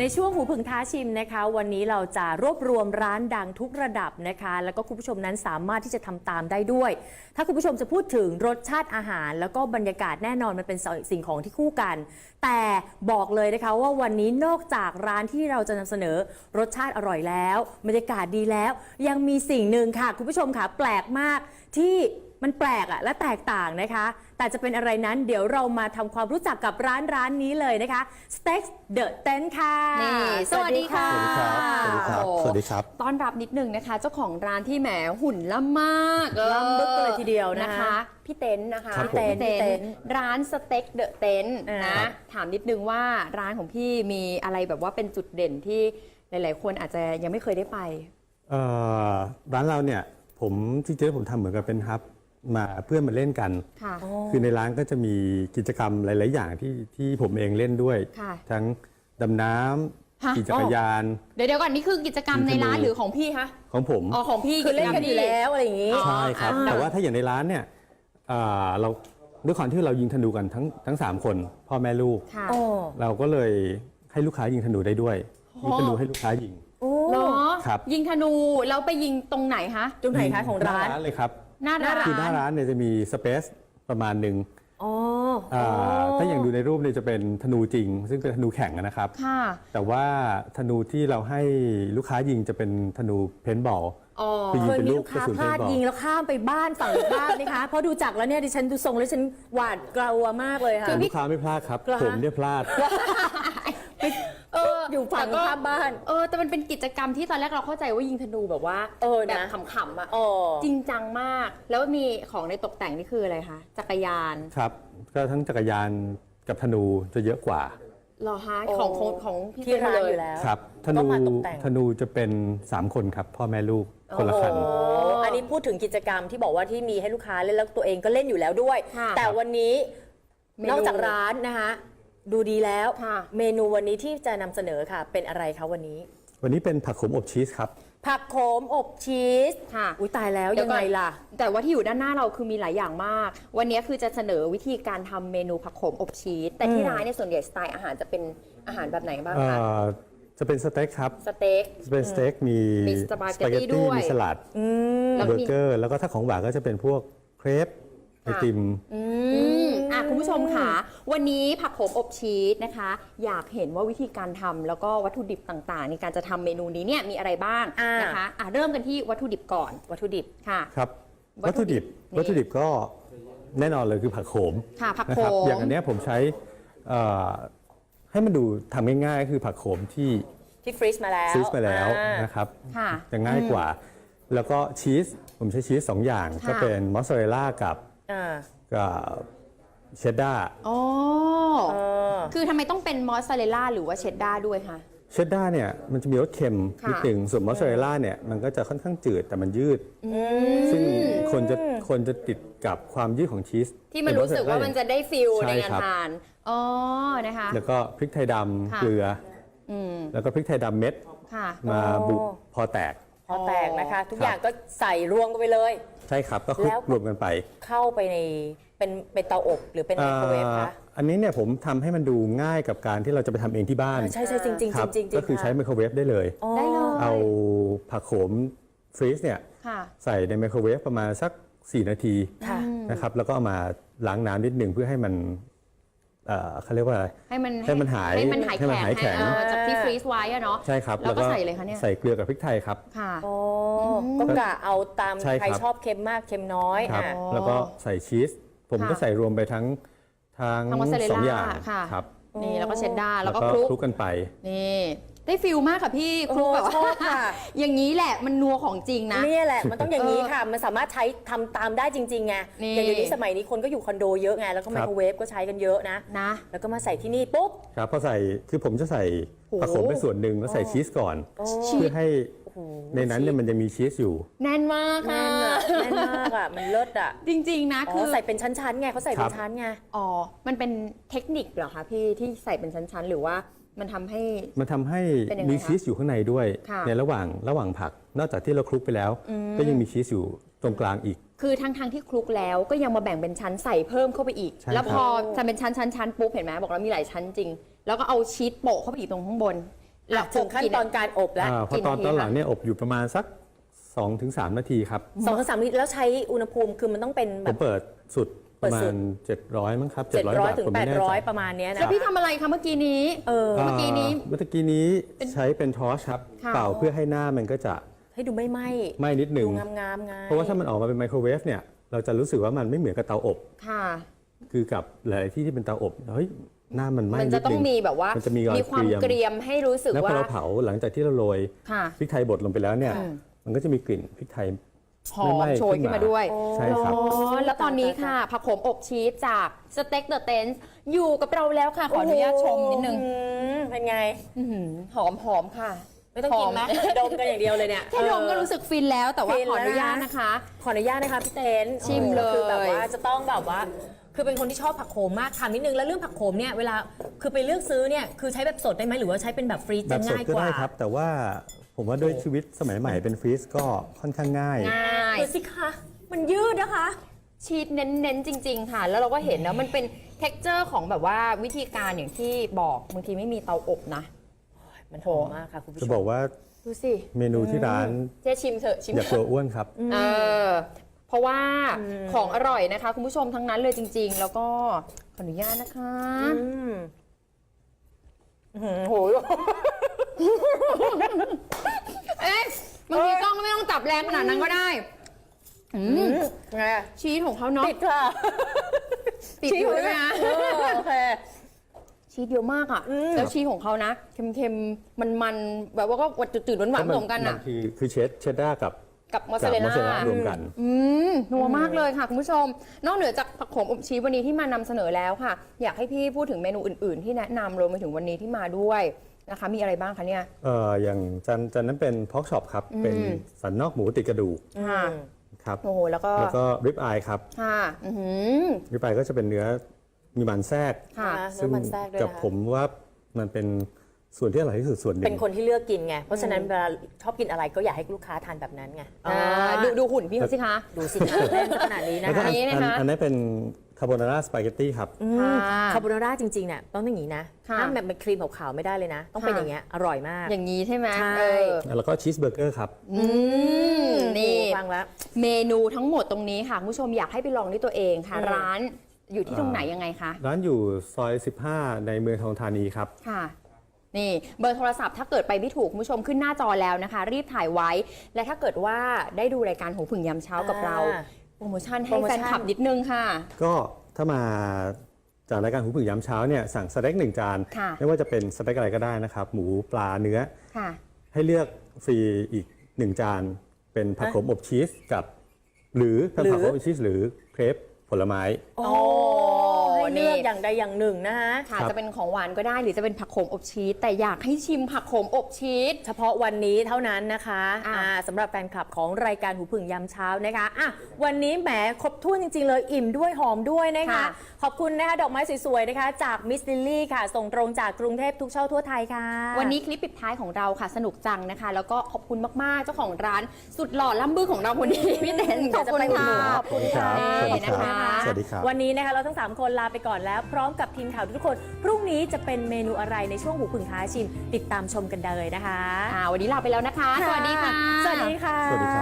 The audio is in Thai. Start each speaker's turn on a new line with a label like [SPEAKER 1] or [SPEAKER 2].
[SPEAKER 1] ในช่วงหูผึ่งท้าชิมนะคะวันนี้เราจะรวบรวมร้านดังทุกระดับนะคะแล้วก็คุณผู้ชมนั้นสามารถที่จะทำตามได้ด้วยถ้าคุณผู้ชมจะพูดถึงรสชาติอาหารแล้วก็บรรยากาศแน่นอนมันเป็นสิ่งของที่คู่กันแต่บอกเลยนะคะว่าวันนี้นอกจากร้านที่เราจะนำเสนอรสชาติอร่อยแล้วบรรยากาศดีแล้วยังมีสิ่งหนึ่งค่ะคุณผู้ชมค่ะแปลกมากที่มันแปลกและแตกต่างนะคะแต่จะเป็นอะไรนั้นเดี๋ยวเรามาทำความรู้จักกับร้านนี้เลยนะคะ Steak The Tent ค่ะ
[SPEAKER 2] สวัสดีค่ะ
[SPEAKER 3] สวัสดีครับ สวัสดีครับ
[SPEAKER 2] ต้อนรับนิดนึงนะคะเจ้าของร้านที่แหมหุ่นล่ำมาก
[SPEAKER 1] ล่ำบึกเลยทีเดียว
[SPEAKER 2] นะคะพี่เต้นนะคะ
[SPEAKER 3] ครับ
[SPEAKER 2] พี่เต้นร้านสเต็กเดอะเต็นนะถามนิดนึงว่าร้านของพี่มีอะไรแบบว่าเป็นจุดเด่นที่หลายๆคนอาจจะยังไม่เคยได้ไป
[SPEAKER 3] ร้านเราเนี่ยผมจริงๆผมทำเหมือนกับเป็นฮับมาเพื่อนมาเล่นกันคือในร้านก็จะมีกิจกรรมหลายๆอย่างที่ผมเองเล่นด้วยทั้งดำน้ำขี่จักรยาน
[SPEAKER 2] เดี๋ยวก่อนนี่คือกิจกรรมในร้านหรือของพี่คะ
[SPEAKER 3] ของผม
[SPEAKER 2] อ๋อของพี่
[SPEAKER 1] คือเล่นกันอยู่แล้วอะไรอย่างนี้
[SPEAKER 3] ใช่ครับแต่ว่าถ้าอย่างในร้านเนี่ยเราด้วยความที่เรายิงธนูกันทั้ง3คนพ่อแม่ลูกเราก็เลยให้ลูกค้ายิงธนูได้ด้วยยิงธนูให้ลูกค้ายิง
[SPEAKER 2] เหรอยิงธนูแล้วไปยิงตรงไหนคะ
[SPEAKER 1] ตรงไหนคะของร้าน
[SPEAKER 3] เลยครับ
[SPEAKER 2] หน้าร้าน
[SPEAKER 3] คือหน้าร้านเนี่ยจะมีสเปซประมาณหนึ่งถ้าอย่างดูในรูปเนี่ยจะเป็นธนูจริงซึ่งเป็นธนูแข่งนะครับแต่ว่าธนูที่เราให้ลูกค้ายิงจะเป็นธนูเพนบอล
[SPEAKER 1] เคยมีลูกค้าพลาดยิงแล้วข้ามไปบ้านฝั่งบ้านนะคะเพราะดูจักแล้วเนี่ยดิฉันดูทรงแล้วฉันหวาดกลัวมากเลยค่ะ
[SPEAKER 3] ลูกค้าไม่พลาดครับผมเนี่ยพลาด
[SPEAKER 1] อยู่ฝั่งข้ามบ้าน
[SPEAKER 2] แต่มันเป็นกิจกรรมที่ตอนแรกเราเข้าใจว่ายิงธนูแบบว่าแบบขำๆอ่ะจริงจังมากแล้วมีของในตกแต่งนี่คืออะไรคะจักรยาน
[SPEAKER 3] ครับก็ทั้งจักรยานกับธนูจะเยอะกว่า
[SPEAKER 2] หรอคะของพี่
[SPEAKER 1] ที่ร้านอยู่แล้ว
[SPEAKER 3] ครับธนูจะเป็น3คนครับพ่อแม่ลูกคนละคัน
[SPEAKER 1] อันนี้พูดถึงกิจกรรมที่บอกว่าที่มีให้ลูกค้าเล่นแล้วตัวเองก็เล่นอยู่แล้วด้วยแต่วันนี้นอกจากร้านนะคะดูดีแล้วเมนูวันนี้ที่จะนำเสนอค่ะเป็นอะไรคะวันนี้
[SPEAKER 3] เป็นผักขมอบชีสครับ
[SPEAKER 1] ผักโขมอบชีสค่ะอุ้ยตายแล้วยังไงล่ะ
[SPEAKER 2] แต่ว่าที่อยู่ด้านหน้าเราคือมีหลายอย่างมากวันนี้คือจะเสนอวิธีการทำเมนูผักโขมอบชีสแต่ที่ร้านในส่วนใหญ่สไตล์อาหารจะเป็นอาหารแบบไหนบ้างคะ
[SPEAKER 3] จะเป็นสเต็กครับ
[SPEAKER 2] สเต็ก
[SPEAKER 3] เป็นสเต็กมี
[SPEAKER 2] สปาเกตตี้ด้วย
[SPEAKER 3] มีสลัดเบอร์เกอร์แล้วก็ถ้าของหวานก็จะเป็นพวกเครปไอติม
[SPEAKER 2] คุณผู้ชมค่ะวันนี้ผักโขมอบชีสนะคะอยากเห็นว่าวิธีการทำแล้วก็วัตถุดิบต่างๆในการจะทำเมนูนี้เนี่ยมีอะไรบ้างนะคะเริ่มกันที่วัตถุดิบก่อนวัตถุดิบค่ะ
[SPEAKER 3] ครับวัตถุดิบก็แน่นอนเลยคือผักโขม
[SPEAKER 2] ค่ะผักโขม
[SPEAKER 3] อย่างอันนี้ผมใช้ให้มันดูทำง่ายๆคือผักโขมที่
[SPEAKER 1] ฟรีซมาแล้ว
[SPEAKER 3] นะครับจะง่ายกว่าแล้วก็ชีสผมใช้ชีส2อย่างก็เป็นมอสซาเรลล่ากับเชดดาร์
[SPEAKER 2] คือทำไมต้องเป็นมอสซาเรลล่าหรือว่าเชดดาร์ด้วยคะ
[SPEAKER 3] เชดดาร์เนี่ยมันจะมีรสเค็มนิดหนึ่งส่วนมอสซาเรลล่าเนี่ยมันก็จะค่อนข้างจืดแต่มันยืดซึ่งคนจะติดกับความยืดของชีส
[SPEAKER 2] ที่มันรู้สึกว่ามันจะได้ฟิลในการทานนะคะ
[SPEAKER 3] แล้วก็พริกไทยดำเกลือแล้วก็พริกไทยดำเม็ดมาบุกพอแตก
[SPEAKER 1] นะคะทุกอย่างก็ใส่รวมกันไปเลย
[SPEAKER 3] ใช่ครับก็คลุกรวมกันไป
[SPEAKER 1] เข้าไปในเป็นเตาอบหรือเป็นไมโครเวฟคะ
[SPEAKER 3] อันนี้เนี่ยผมทำให้มันดูง่ายกับการที่เราจะไปทำเองที่บ้าน
[SPEAKER 1] ใช่จริง
[SPEAKER 3] ก็คือใช้ไมโครเวฟได้เลยเอาผักโขมฟรีซเนี่ยใส่ในไมโครเวฟประมาณสัก4 นาทีนะครับแล้วก็เอามาล้างน้ำนิดหนึ่งเพื่อให้มันเขาเรียกว่าอะไร
[SPEAKER 2] ให้มันหายแข็งจากที่ฟรีซไว้เนาะ
[SPEAKER 3] ใช่ครับ
[SPEAKER 2] แล้วก็ใส่เลยค่ะเนี่ย
[SPEAKER 3] ใส่เกลือกับพริกไทยครับ
[SPEAKER 1] ก็กะเอาตามใครชอบเค็มมากเค็มน้อย
[SPEAKER 3] แล้วก็ใส่ชีสผมก็ใส่รวมไปทั้ง2 อย่างครับ
[SPEAKER 2] นี่แล้วก็เชดดาร์แล้วก็คลุก
[SPEAKER 3] กันไป
[SPEAKER 2] นี่ได้ฟิลมากค่ะพี่คลุกแบบชอบค่ะอย่างนี้แหละมันนัวของจริงนะ
[SPEAKER 1] นี่แหละมันต้องอย่างนี้ค่ะมันสามารถใช้ทำตามได้จริงๆไงอย่างเดี๋ยวนี้สมัยนี้คนก็อยู่คอนโดเยอะไงแล้วก็ไมโครเวฟก็ใช้กันเยอะนะแล้วก็มาใส่ที่นี่ปุ๊บ
[SPEAKER 3] ครับพอใส่คือผมจะใส่ผักโขมไปส่วนหนึ่งแล้วใส่ชีสก่อนเพื่อให้ในนั้นเนี่ยมันจะมีชีสอยู่
[SPEAKER 2] แน่นมากค่ะ
[SPEAKER 1] แน่นมากอ่ะมันเลิศอ่ะ
[SPEAKER 2] จริงๆนะ
[SPEAKER 1] คือใส่เป็นชั้นๆไงเขาใส่เป็นชั้นไง
[SPEAKER 2] มันเป็นเทคนิคเหรอคะพี่ที่ใส่เป็นชั้นๆหรือว่ามันทำให้
[SPEAKER 3] มีชีสอยู่ข้างในด้วยในระหว่างผักนอกจากที่เราคลุกไปแล้วก็ยังมีชีสอยู่ตรงกลางอีก
[SPEAKER 2] คือทั้งที่คลุกแล้วก็ยังมาแบ่งเป็นชั้นใส่เพิ่มเข้าไปอีกแล้วพอจะเป็นชั้นปุ๊บเห็นไหมบอกแล้วมีหลายชั้นจริงแล้วก็เอาชีสโปะเข้าไปอีกตรงข้างบน
[SPEAKER 1] ถึงขั้นตอนการอบแล้ว
[SPEAKER 3] พอตอนหลังเนี่ยอบอยู่ประมาณสัก 2-3 นาทีครับ
[SPEAKER 1] 2-3 นาทีแล้วใช้อุณหภูมิคือมันต้องเป็นแบ
[SPEAKER 3] ผม
[SPEAKER 1] บ
[SPEAKER 3] เปิดสุดประมา
[SPEAKER 1] เปิดสุ
[SPEAKER 3] ณ
[SPEAKER 1] ด
[SPEAKER 3] 700มั้งครับ
[SPEAKER 1] 700 ถึง
[SPEAKER 3] ผมไม่แน่ใจ
[SPEAKER 1] 800 ประมาณเนี้ย
[SPEAKER 2] แล้
[SPEAKER 1] นะ
[SPEAKER 2] วพี่ทำอะไรคะเมื่อกี้นี้
[SPEAKER 1] เออ
[SPEAKER 2] เมื่อกี้นี้
[SPEAKER 3] เมื่อกี้นี้ใช้เป็นทอร์ชครับ
[SPEAKER 2] ค่ะ
[SPEAKER 3] เป่าเพื่อให้หน้ามันก็จะ
[SPEAKER 1] ให้ดูไม่ไหม้
[SPEAKER 3] ไหม้นิดนึ
[SPEAKER 1] ดู
[SPEAKER 3] ง
[SPEAKER 1] งามๆไง
[SPEAKER 3] เพราะว่าถ้ามันออกมาเป็นไมโครเวฟเนี่ยเราจะรู้สึกว่ามันไม่เหมือนกับเตาอบ
[SPEAKER 2] ค่ะ
[SPEAKER 3] คือกับหลายๆที่ที่เป็นเตาอบเฮ้ยหน้ามันไหม้
[SPEAKER 2] มัน
[SPEAKER 3] นิ
[SPEAKER 2] จะ
[SPEAKER 3] ด
[SPEAKER 2] ต้อ
[SPEAKER 3] นึ
[SPEAKER 2] ง
[SPEAKER 3] ง
[SPEAKER 2] มีแบบว่า
[SPEAKER 3] มันจะมีรอย
[SPEAKER 2] ความเกรียมให้รู้สึก
[SPEAKER 3] แล้วพอ
[SPEAKER 2] ว่า
[SPEAKER 3] เราเผาหลังจากที่เราโรย
[SPEAKER 2] ค่ะ
[SPEAKER 3] พริกไทยบดลงไปแล้วเนี่ย มันก็จะมีกลิ่นพริกไทย
[SPEAKER 2] หอม
[SPEAKER 3] ไหม้
[SPEAKER 2] โชยขึ้นมาด้วย
[SPEAKER 3] ใช่ครับ
[SPEAKER 2] อ๋อแล้วตอนนี้ค่ะผักโขมอบชีสจากสเต็กเดอะเทนส์อยู่กับเราแล้วค่ะ ขออนุญาตชมนิดนึง
[SPEAKER 1] เป็นไง
[SPEAKER 2] อื้อหือหอมค่ะ
[SPEAKER 1] ไม่ต้องกินไหม
[SPEAKER 2] หอ
[SPEAKER 1] ดมกันอย่างเดียวเลยเนี่ย
[SPEAKER 2] แค่ดมก็รู้สึกฟินแล้วแต่ว่า
[SPEAKER 1] ฟิน
[SPEAKER 2] ขออนุญาต
[SPEAKER 1] แล้วนะ
[SPEAKER 2] นะคะ
[SPEAKER 1] ขออนุญาตนะคะพี่เต้น
[SPEAKER 2] ชิมเลย
[SPEAKER 1] คือแบบว่าจะต้องแบบว่า คือเป็นคนที่ชอบผักโขมมากถามนิดนึงแล้วเรื่องผักโขมเนี่ยเวลาคือไปเลือกซื้อเนี่ยคือใช้แบบสดได้ไหมหรือว่าใช้เป็นแบบฟรีซ
[SPEAKER 3] แบ
[SPEAKER 1] จะ
[SPEAKER 3] บสด
[SPEAKER 1] ง่าย
[SPEAKER 3] ก็
[SPEAKER 1] กว่า
[SPEAKER 3] ได้ครับ แต่ว่าผมว่าด้วยชีวิตสมัยใหม่เป็นฟรีซก็ค่อนข้างง่าย
[SPEAKER 2] ง่าย
[SPEAKER 1] ดูสิคะมันยืดนะคะ
[SPEAKER 2] ชีสเน้นๆจริง ๆ ค่ะ แล้วเราก็เห็นนะมันเป็น t e x t อร์ของแบบว่าวิธีการอย่างที่บอกบางทีไม่มีเตาอบนะ
[SPEAKER 1] มันหอมมากค่ะคุณผู้ช
[SPEAKER 3] จะ
[SPEAKER 1] ม
[SPEAKER 3] บอกว่า
[SPEAKER 2] ดูสิ
[SPEAKER 3] เมนูที่ร้าน
[SPEAKER 2] เจ๊ชิมเถอะชิม
[SPEAKER 3] อย่า
[SPEAKER 2] เถ
[SPEAKER 3] กลัว
[SPEAKER 2] อะ
[SPEAKER 3] อ้วนครับ
[SPEAKER 2] เออเพราะว่าของอร่อยนะคะ คุณผู้ชมทั้งนั้นเลยจริง ๆ แล้วก็ขออนุญาตนะคะ
[SPEAKER 1] โห
[SPEAKER 2] เอ๊ะบางทีกล้องก็ไม่ต้องจับแรงขนาดนั้นก็ได้อืม
[SPEAKER 1] ไง
[SPEAKER 2] ชีสของเขาเนาะ
[SPEAKER 1] ติดค่ะ
[SPEAKER 2] ติดอยู่ด้วยนะ
[SPEAKER 1] โอเค
[SPEAKER 2] ชีสเยอะมากอ่ะ แล้วชีสของเขานะ เค็มๆ มันๆ แบบว่าก็จืดๆหวานๆผสมกันอ่ะ
[SPEAKER 3] คือเชดดาร์กับ
[SPEAKER 2] กับมอส
[SPEAKER 3] กั
[SPEAKER 2] ซาเรล
[SPEAKER 3] มอสซาเรล
[SPEAKER 2] ล่า
[SPEAKER 3] ล่ารวมกัน
[SPEAKER 2] นัวมากเลยค่ะคุณผู้ชม นอกเหนือจากผักโขมอบชีสวันนี้ที่มานำเสนอแล้วค่ะ อยากให้พี่พูดถึงเมนูอื่นๆ ที่แนะนำรวมไปถึงวันนี้ที่มาด้วยนะคะ มีอะไรบ้างคะเนี่ย
[SPEAKER 3] อย่างจันนั้นเป็นพอกช็อปครับ เป็นสันนอกหมูติดกระดูก
[SPEAKER 2] ค่ะ
[SPEAKER 3] ครับ
[SPEAKER 2] โอ้โหแล้วก็
[SPEAKER 3] แล้วก็ริบอายครับ
[SPEAKER 2] ค่ะ
[SPEAKER 3] ริบอายก็จะเป็นเนื้อมีมันแทรก
[SPEAKER 2] ค่ะ
[SPEAKER 3] ซึ่ง
[SPEAKER 1] มันแทรกด้วย
[SPEAKER 3] กับ
[SPEAKER 1] นะคะ
[SPEAKER 3] ผมว่ามันเป็นส่วนที่อร่อยที่สุดส่วนหนึ่ง
[SPEAKER 1] เป็นคนที่เลือกกินไง เพราะฉะนั้นเวลาชอบกินอะไรก็อยากให้ลูกค้าทานแบบนั้นไง
[SPEAKER 2] ดูหุ่นพี่เขาสิคะ
[SPEAKER 1] ดูสินะเล่นขนาดนี้นะ
[SPEAKER 3] แล้วก็
[SPEAKER 1] คะ
[SPEAKER 2] อันนี้นะคะ
[SPEAKER 3] อันนี้เป็นคาโบนาร่าสปาเกตตี้ครับ
[SPEAKER 2] ค่ะ
[SPEAKER 1] คาโบนาร่าจริงๆเนี่ยต้องอย่างนี้นะ
[SPEAKER 2] ค่ะ
[SPEAKER 1] ห้ามแบบเป็นครีมขาวๆไม่ได้เลยนะ ต้องเป็น
[SPEAKER 2] ค่ะ
[SPEAKER 1] อย่างเงี้ยอร่อยมาก
[SPEAKER 2] อย่างนี้ใช่ไหม
[SPEAKER 1] ใช่
[SPEAKER 2] เออ
[SPEAKER 3] แล้วก็ชีสเบอร์เกอร์ครับ
[SPEAKER 2] นี่
[SPEAKER 1] ฟังแล้ว
[SPEAKER 2] เมนูทั้งหมดตรงนี้ค่ะคุณผู้ชมอยากให้ไปลองด้วยตัวเองค่ะ ร้านอยู่ที่ตรงไหนยังไงคะ
[SPEAKER 3] ร้านอยู่ซอย 15 ในเมืองทองธานีครับ
[SPEAKER 2] ค่ะ นี่เบอร์โทรศัพท์ถ้าเกิดไปไม่ถูกคุณผู้ชมขึ้นหน้าจอแล้วนะคะ รีบถ่ายไว้ และถ้าเกิดว่าได้ดูรายการหูผึ่งยามเช้ากับเรา โปรโมชั่นให้แฟนคลับนิดนึงค่ะ
[SPEAKER 3] ก็ถ้ามาจากรายการหูผึ่งยามเช้าเนี่ยสั่งสเต็ก1 จาน
[SPEAKER 2] ค่ะ
[SPEAKER 3] ไม่ว่าจะเป็นสเต็กอะไรก็ได้นะครับ หมูปลาเนื้อ
[SPEAKER 2] ค่ะ
[SPEAKER 3] ให้เลือกฟรีอีก 1 จาน เป็นผักโขมอบชีสกับหรือเป็นผักโขมอบชีสหรือเครปผลไม้
[SPEAKER 1] โอ้ให้เลือกอย่างใดอย่างหนึ่งนะฮะ
[SPEAKER 2] ค่ะ
[SPEAKER 3] ครับ
[SPEAKER 2] จะเป็นของหวานก็ได้หรือจะเป็นผักโขมอบชีสแต่อยากให้ชิมผักโขมอบชีส
[SPEAKER 1] เฉพาะวันนี้เท่านั้นนะคะ
[SPEAKER 2] อ่ะ
[SPEAKER 1] สำหรับแฟนคลับของรายการหูผึ่งยามเช้านะคะอ่ะวันนี้แหมครบถ้วนจริง ๆ เลยอิ่มด้วยหอมด้วยนะคะ ขอบคุณนะคะดอกไม้สวยๆนะคะ จากมิสลิลลี่ค่ะ ส่งตรงจากกรุงเทพทุกเช่าทั่วไทยค่ะ
[SPEAKER 2] วันนี้คลิปปิดท้ายของเราค่ะสนุกจังนะคะ แล้วก็ขอบคุณมากๆเจ้าของร้านสุดหล่อล่ำบื้อของเราคนนี้ พี่เต้นขอบคุณค่ะ
[SPEAKER 1] ขอบคุณค่ะ
[SPEAKER 3] สวัสดีครับ
[SPEAKER 2] นะคะ
[SPEAKER 3] สวัสดีครับ
[SPEAKER 1] วันนี้นะคะเราทั้ง 3 คนลาไปก่อนแล้ว พร้อมกับทีมข่าวทุกคน พรุ่งนี้จะเป็นเมนูอะไรในช่วงหูผึ่งท้าชิม ติดตามชมกันเลยนะคะ
[SPEAKER 2] วันนี้ลาไปแล้วนะคะ สวัสดีค่ะ
[SPEAKER 1] สวัสดีค่ะ
[SPEAKER 3] สวัสดีครับ